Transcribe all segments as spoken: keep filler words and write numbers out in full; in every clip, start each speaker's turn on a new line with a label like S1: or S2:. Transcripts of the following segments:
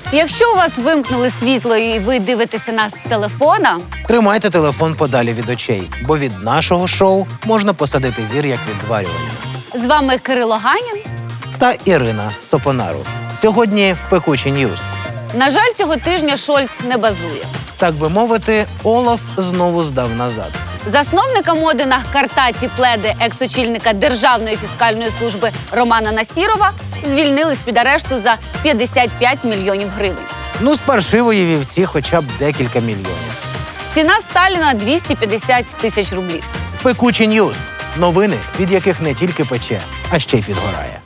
S1: Якщо у вас вимкнули світло і ви дивитеся нас з телефона,
S2: Тримайте телефон подалі від очей, бо від нашого шоу можна посадити зір, як від зварювання.
S1: з вами Кирило Ганін.
S2: Та Ірина Сопонару. Сьогодні в «Пекучі Ньюз».
S1: На жаль, цього тижня Шольц не базує.
S2: Так би мовити, Олаф знову здав назад.
S1: Засновника моди на картаті пледи екс-очільника Державної фіскальної служби Романа Насірова звільнили з-під арешту за п'ятдесят п'ять мільйонів гривень.
S2: Ну, з паршивої вівці хоча б декілька мільйонів.
S1: Ціна Сталіна – двісті п'ятдесят тисяч рублів.
S2: «Пекучі Ньюз». Новини, від яких не тільки пече, а ще й підгорає.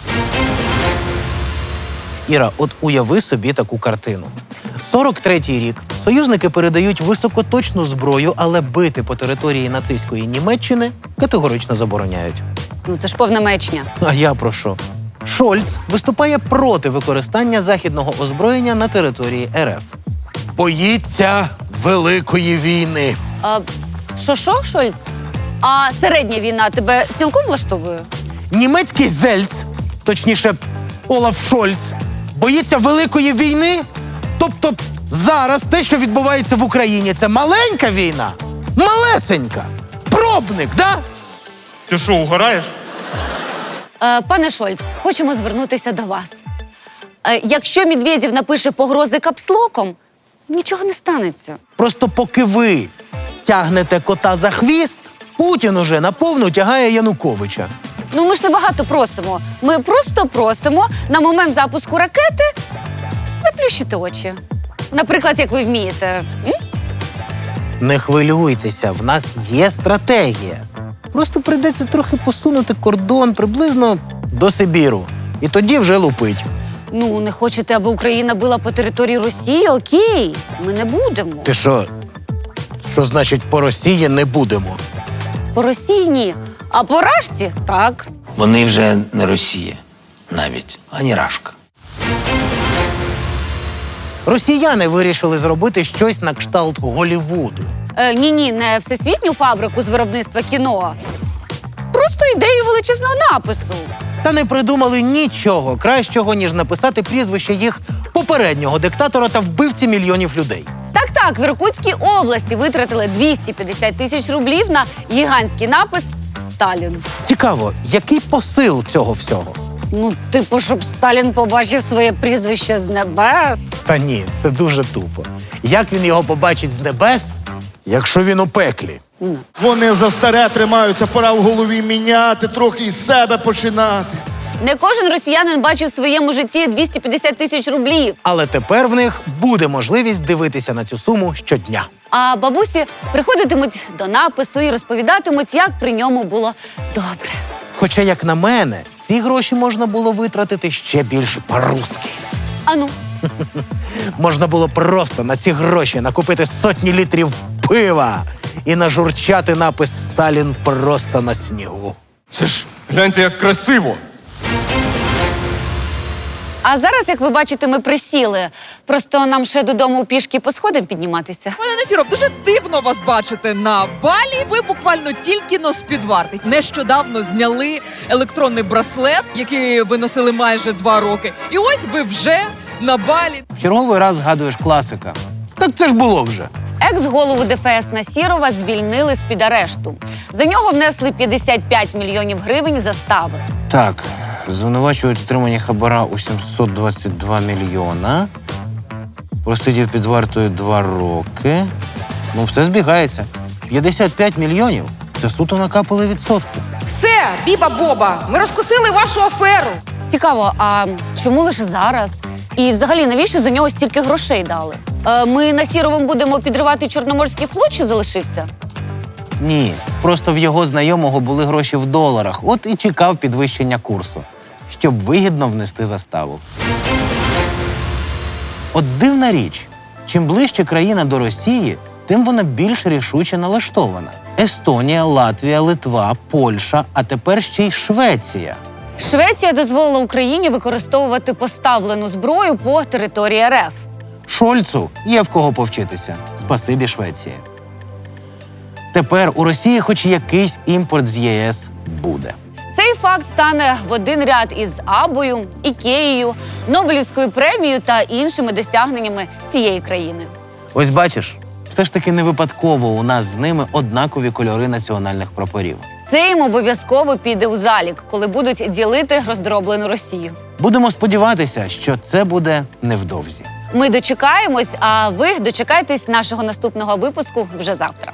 S2: Іра, от уяви собі таку картину. сорок третій рік. Союзники передають високоточну зброю, але бити по території нацистської Німеччини категорично забороняють.
S1: Ну це ж повна маячня.
S2: А я про що? Шольц виступає проти використання західного озброєння на території РФ. Боїться великої війни.
S1: А, що-що, Шольц? А середня війна тебе цілком влаштовує?
S2: Німецький Зельц, точніше, Олаф Шольц, боїться великої війни? Тобто зараз те, що відбувається в Україні, це маленька війна? Малесенька. Пробник, да?
S3: Ти що, угораєш?
S1: Е, пане Шольц, хочемо звернутися до вас. Е, якщо Медведєв напише погрози капслоком, нічого не станеться.
S2: Просто поки ви тягнете кота за хвіст, Путін уже наповну тягає Януковича.
S1: Ну ми ж не багато просимо. Ми просто просимо на момент запуску ракети заплющити очі. Наприклад, як ви вмієте. М?
S2: Не хвилюйтеся, в нас є стратегія. Просто прийдеться трохи посунути кордон приблизно до Сибіру. І тоді вже лупить.
S1: Ну, не хочете, аби Україна била по території Росії? Окей, ми не будемо.
S2: Ти що? Що значить по Росії не будемо?
S1: По Росії ні, а по Рашці – так.
S4: Вони вже не Росія навіть, ані Рашка.
S2: Росіяни вирішили зробити щось на кшталт Голлівуду.
S1: Е, ні-ні, не всесвітню фабрику з виробництва кіно. Просто ідею величезного напису.
S2: Та не придумали нічого кращого, ніж написати прізвище їх попереднього диктатора та вбивці мільйонів людей.
S1: Так-так, в Іркутській області витратили двісті п'ятдесят тисяч рублів на гігантський напис «Сталін».
S2: Цікаво, який посил цього всього?
S1: Ну, типу, щоб Сталін побачив своє прізвище з небес.
S2: Та ні, це дуже тупо. Як він його побачить з небес, якщо він у пеклі?
S1: Ну,
S5: Вони за старе тримаються, пора в голові міняти, трохи із себе починати.
S1: не кожен росіянин бачив в своєму житті двісті п'ятдесят тисяч рублів.
S2: Але тепер в них буде можливість дивитися на цю суму щодня.
S1: А бабусі приходитимуть до напису і розповідатимуть, як при ньому було добре.
S2: Хоча, як на мене, ці гроші можна було витратити ще більш по-русски.
S1: Ану,
S2: Можна було просто на ці гроші накупити сотні літрів пива і нажурчати напис «Сталін просто на снігу».
S3: Це ж гляньте, як красиво.
S1: а зараз, як ви бачите, ми присіли. Просто нам ще додому пішки по сходам підніматися.
S6: Пане Насіров, дуже дивно вас бачити на балі. Ви буквально тільки но з-під варти. Нещодавно зняли електронний браслет, який ви носили майже два роки. І ось ви вже на балі.
S2: В черговий раз згадуєш класика. Так це ж було вже.
S1: Екс-голову ДФС Насірова звільнили з-під арешту. За нього внесли п'ятдесят п'ять мільйонів гривень застави.
S2: Так, звинувачують отримання хабара у сімсот двадцять два мільйона. Просидів під вартою два роки. Ну, все збігається. п'ятдесят п'ять мільйонів – це суто накапали відсотки.
S7: Все, Біба-Боба, ми розкусили вашу аферу.
S1: Цікаво, а чому лише зараз? І взагалі, навіщо за нього стільки грошей дали? Е, ми Насіровим будемо підривати Чорноморський флот, що залишився?
S2: Ні, просто в його знайомого були гроші в доларах. От і чекав підвищення курсу, щоб вигідно внести заставу. От дивна річ. Чим ближче країна до Росії, тим вона більш рішуче налаштована. Естонія, Латвія, Литва, Польща, а тепер ще й Швеція.
S1: Швеція дозволила Україні використовувати поставлену зброю по території РФ.
S2: Шольцу є в кого повчитися. Спасибі Швеції. Тепер у Росії хоч якийсь імпорт з ЄС буде.
S1: Це Цей факт стане в один ряд із Абою, Ікеєю, Нобелівською премією та іншими досягненнями цієї країни.
S2: Ось бачиш, все ж таки не випадково у нас з ними однакові кольори національних прапорів.
S1: Це їм обов'язково піде у залік, коли будуть ділити роздроблену Росію.
S2: Будемо сподіватися, що це буде невдовзі.
S1: Ми дочекаємось, а ви дочекайтесь нашого наступного випуску вже завтра.